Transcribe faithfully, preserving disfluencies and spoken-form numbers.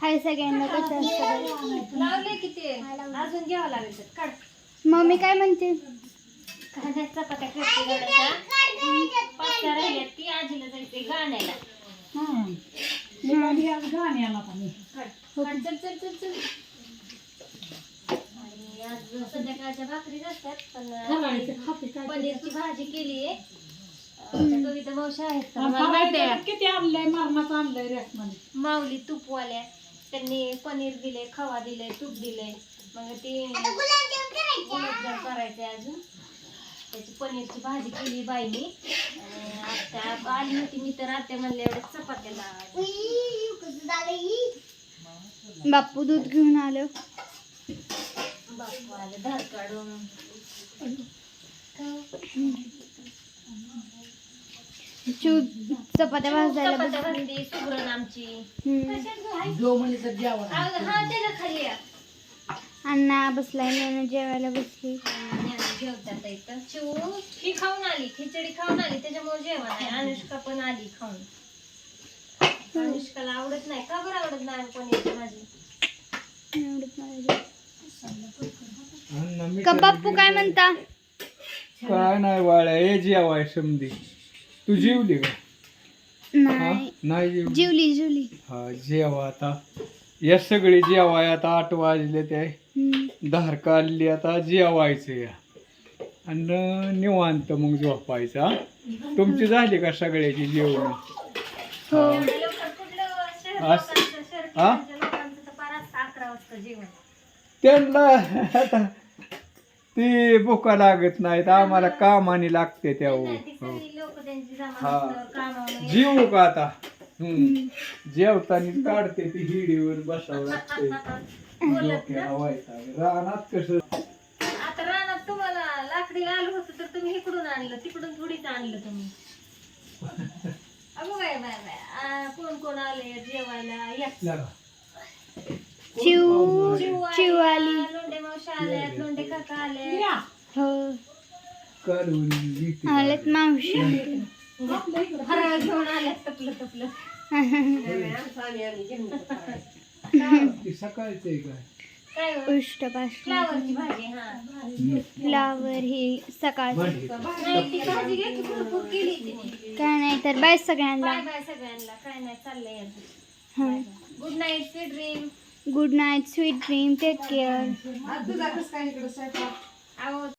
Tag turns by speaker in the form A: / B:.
A: हाय सगळ्यांना कसं असतं.
B: लावले किती अजून घ्यावं लागेल तर काढ.
A: मम्मी काय म्हणते?
B: कांद्या चपात्या करते गड्याच्या पाचशा राहिल्या ती आजीला जायचे गाण्याला.
C: गाण्याला पण
B: काढ काढ, चल चल चल चल. आणि आज संध्याकाळच्या भाकरी असतात पण पनीरची भाजी केली आहे. कविता मावशी आहेत का? मला माहिती आहे.
C: किती आणलंय मरणाचं आणलंय रेस मध्ये
B: माऊली तुपवाल्या त्यांनी पनीर दिले, खवा दिले, तूप दिले. मग ती गुलाबजाम करायचे अजून. त्याची पनीरची भाजी केली बाईनी. आत्या आली होती मी तर आत्या म्हणले एवढ्या चपात्या लावायच्या.
A: बाप्पू दूध घेऊन आलो.
B: बापू आले धार काढून.
A: चिव चपात्या भाजायला
B: चपात्या
A: बसली.
B: भाजली सुगरण आमची.
A: हम्म.
C: जो म्हणजे तर जेवण
B: हा त्याच्या खाली या.
A: अण्णा बसलाय, नेणं जेवायला बसली.
B: जेवतात इथं. चिऊ ही खाऊन आली, खिचडी खाऊन आली त्याच्यामुळे जेवण आहे. अनुष्का पण आली खाऊन. अनुष्काला आवडत नाही. का बरं आवडत नाही पनीरची भाजी?
A: एवढंच मला. का बाप्पू काय म्हणता?
D: काय नाही बाळा, हे जेवाय समधी. तू जेवली का? हा?
A: नाही
D: नाही जेवली.
A: जेवली जेवली.
D: हा जेवा आता. या सगळी जेवाय आता आठ वाजले ते
A: हम्म.
D: धार काढली आता जेवायचं या आणि निवांत मग झोपायचं. हा? तुमची झाली का सगळ्याची जेवण?
A: हो.
B: एवढ्या लवकर कुठलं शहर
D: अस-
B: लोकांचं, शहर
D: हा?
B: ठिकाणच्या लोकांचं तर पार असतं अकरा वाजता जेवण.
D: त्यांना आता ती भुका लागत नाहीत, आम्हाला कामाने लागते त्या.
B: नाही, ती सगळी लोक त्यांची जमा
D: हा.
B: असतं, कामावर.
D: जीव का आता? हम्म जेवताना काढते ती हिडीवर बसावं लागते. डोक्याला वैताग. रानात कसं
B: आता रानात तुम्हाला लाकडी आलं होतं तर तुम्ही इकडून आणलं, तिकडून थोडीच आणलं तुम्ही. अगो बाय बाय बाय. आ, कोण कोण आले जेवायला? या.
D: लागा.
A: चिव
B: चिव
A: चिव
B: आली,
A: आली.
B: लोंढे मावशी आल्यात, लोंढे काका आले.
A: हो
D: काढून घेते.
A: आलेत मावशी.
B: फराळ घेऊन आल्यात तपलं तपलं.
D: ती सकाळचं आहे काय?
B: काय हो?
A: उष्टपाष्ट
B: फ्लावरची भाजी. हा
A: फ्लावर ही सकाळ.
D: भांडी.
B: नाही ती भाजी घ्या की भरपूर केली तिने.
A: काय नाही तर बाय सगळ्यांना.
B: बाय बाय सगळ्यांना. काय नाही चाललंय अजून.
A: हा.
B: Good night sweet dream.
A: Good night, sweet dream, take care.
C: तुझा कसं काय इकडं स्वयंपाक?
B: अहो